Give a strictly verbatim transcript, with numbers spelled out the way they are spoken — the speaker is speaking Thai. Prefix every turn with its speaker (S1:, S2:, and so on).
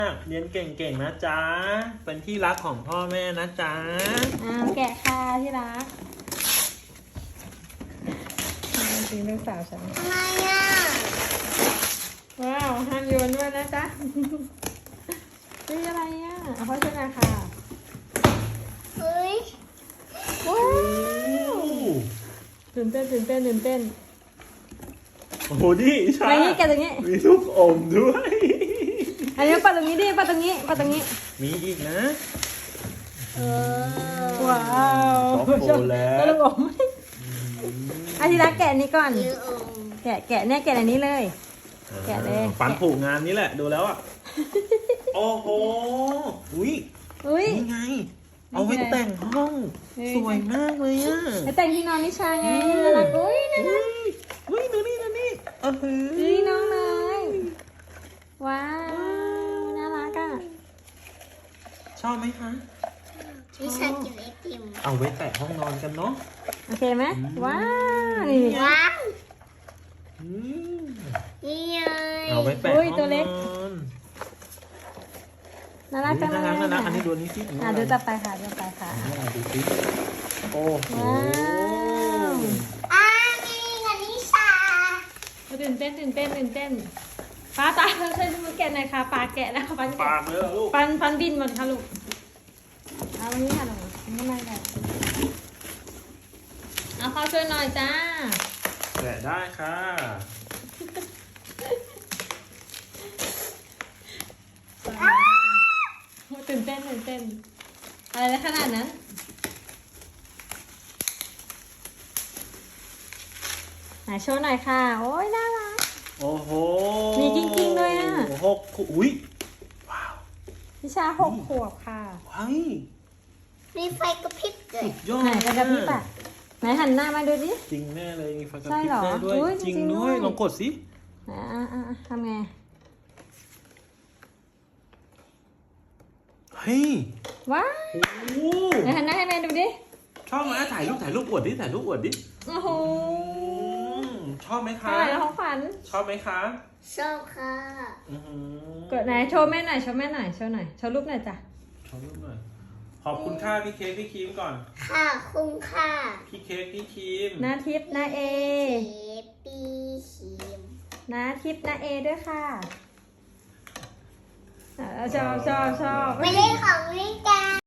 S1: เรียนเก่งๆนะจ๊ะเป็นที่รักของพ่อแม่นะจ๊ะ
S2: อ้าวแกะค่ะที่รักจริงลูกสาวฉัน
S3: อะไรอ่ะ
S2: ว้าวห้ามโยนด้วยนะจ๊ะนี่อะไรอ่ะเอาพ่อช่วยหน่อยค่ะ
S3: เฮ้ย
S2: ว้าวตื่นเต้นตื่นเต้นตื่นเต้น
S1: โอ้โหดิใช่
S2: อะไรนี่แกะตรงนี้
S1: มีลูกอมด้วย
S2: อันนี้ปัดตรงนี้ดิปัดตรงนี้ปัดตรงนี้
S1: มีอีกนะ
S3: เออ
S2: ว้าว
S1: ช็อกโกแลต
S2: ลูกอมอาทิรักแกะนี้ก่อน
S3: เยอะอม
S2: แกะแกะเนี่ยแกะอันนี้เลยแกะเลย
S1: ปันผูกงานนี้แหละดูแล้วอ่ะโอ้โหอุ้ย
S2: อุ้ย
S1: นี่ไงเอาไว้แต่งห้องสวยมากเลยอ่ะ
S2: แล้วแต่งที่นอนนิชาไงน่ารักอุ้ยน่ารัก
S1: อุ้ยดูนี่ดูนี่เออ
S2: อุ้ยน้องเลยว้าวน่ารักอ่ะ
S1: ชอบไหมคะ
S3: วิชากินไอติม
S1: เอาไว้แตะห้องนอนกันเนาะ
S2: โอเคไหมว้าวนี่
S3: ว้าว
S1: อืม
S3: นี่ไง
S1: เอาไว้แตะห้องนอน
S2: น่ารักจังเลย
S1: น่ารักน่ารักอันนี้ดูนี้สิ
S2: อ่ะดูต่อไปค่ะดูต่อไปค่ะ
S1: ดูสิโอ้โห
S2: ว้าว
S3: อ่านี่กับนิชา
S2: ตื่นเต้นตื่นเต้นตื่นเต้นป้าตาช่วยช่วยแกะหน่อยค่ะปลาแกะแล้วปัน
S1: ปากเลยเหรอลูก
S2: ปันปันบินหมดค่ะลูกเอาวันนี้ค่ะลูกไม่ไม่ได้เอาเข้าช่วยหน่อยจ้า
S1: แกะได้ค่ะ
S2: ตื่นเต้นตื่นเต้นอะไรนะขนาดนั้นไหนโชว์หน่อยค่ะโอ้ยน่ารัก
S1: โอ้โห
S2: มีจริงๆด้วยอะ
S1: หกขวบอุ้ยว้าว
S2: พิชาหกขวบค่ะ
S1: ว้าย
S3: มีไฟกระพริบเลย
S1: สุดยอด
S2: ไหนกระพริบอ่ะไหนหันหน้ามาดูดิ
S1: จริงแน่เลยมีไฟกระ
S2: ใช่
S1: พริบ
S2: เหรอ
S1: ได้ด้วย
S2: อุ๊ย
S1: จริง
S2: จริงๆ
S1: ด้วย
S2: ด้วย
S1: ลองกดสิ
S2: อ่าอ่าทำไง
S1: เฮ้ย
S2: ว้าว
S1: โอ้โห
S2: ไหนหันหน้าให้แม่ดูดิ
S1: ชอบไหมถ่ายรูปถ่ายรูปอวดดิถ่ายรูปอวดดิ
S2: โอ้โห
S1: อืมชอบไหมคะ
S2: อะไรนะของขวัญ
S1: ชอบไหมคะ
S3: ชอบค่ะ
S1: อื้อหือ
S2: กดไหนโชว์แม่หน่อยโชว์แม่หน่อยโชว์หน่อยโชว์รูปหน่อยจ้ะ
S1: ชอบรูปหน่อยขอบคุณค่าพี่เค้กพี่ครีมก่อน
S3: ค่ะคุ้มค่ะ
S1: พี่เค้กพี่ครีม
S2: นาทิพย์นาเอ
S3: เอปีชิม
S2: นาทิพย์นาเอด้วยค่ะอ่าชอบชอบชอบ
S3: ไม่ได้ของวิกา